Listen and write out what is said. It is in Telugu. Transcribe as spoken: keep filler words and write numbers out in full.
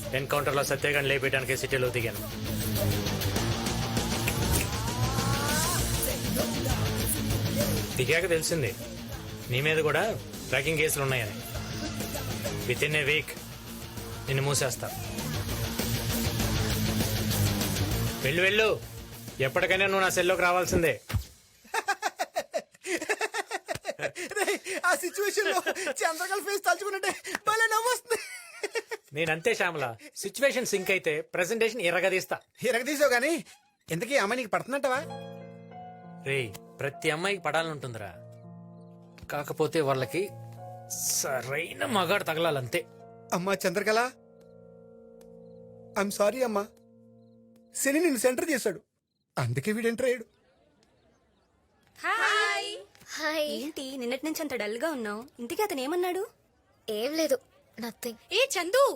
ఎన్కౌంటర్ లో సత్యగాన్ని లేపేయడానికి సిటీలో దిగాను. దిగాక తెలిసింది నీ మీద కూడా ట్రాకింగ్ కేసులు ఉన్నాయని. విత్ ఇన్ ఏ వీక్ నిన్ను మూసేస్తా. వెళ్ళు వెళ్ళు, ఎప్పటికైనా నువ్వు నా సెల్లోకి రావాల్సిందే. ఆ సిచ్యువేషన్ లో చంద్రకళ ఫేస్ తలుచుకుంటే భలే నవ్వొస్తుంది. నేనంతే శ్యామల, సిచ్యువేషన్ సింక్ అయితే ప్రెజెంటేషన్ ఎర్రగదీస్తా. ఎరగదీసావు గానీ ఇంతకీ అమ్మాయి నీకు పడుతున్నట్టవా? రే, ప్రతి అమ్మాయికి పడాలంటుందిరా, కాకపోతే వాళ్ళకి సరైన మగాడు తగలాలంతే. అమ్మా చంద్రకళ, ఐఎమ్ సారీ అమ్మా. శని నిన్ను సెంటర్ చేశాడు, అందుకే వీడు ఎంటర్ అయ్యాడు. హాయ్. హాయ్. ఏంటి నిన్నటి నుంచి అంత డల్ గా ఉన్నావు? ఇంతకీ అతను ఏమన్నాడు? ఏం లేదు, నథింగ్. ఏ చందు,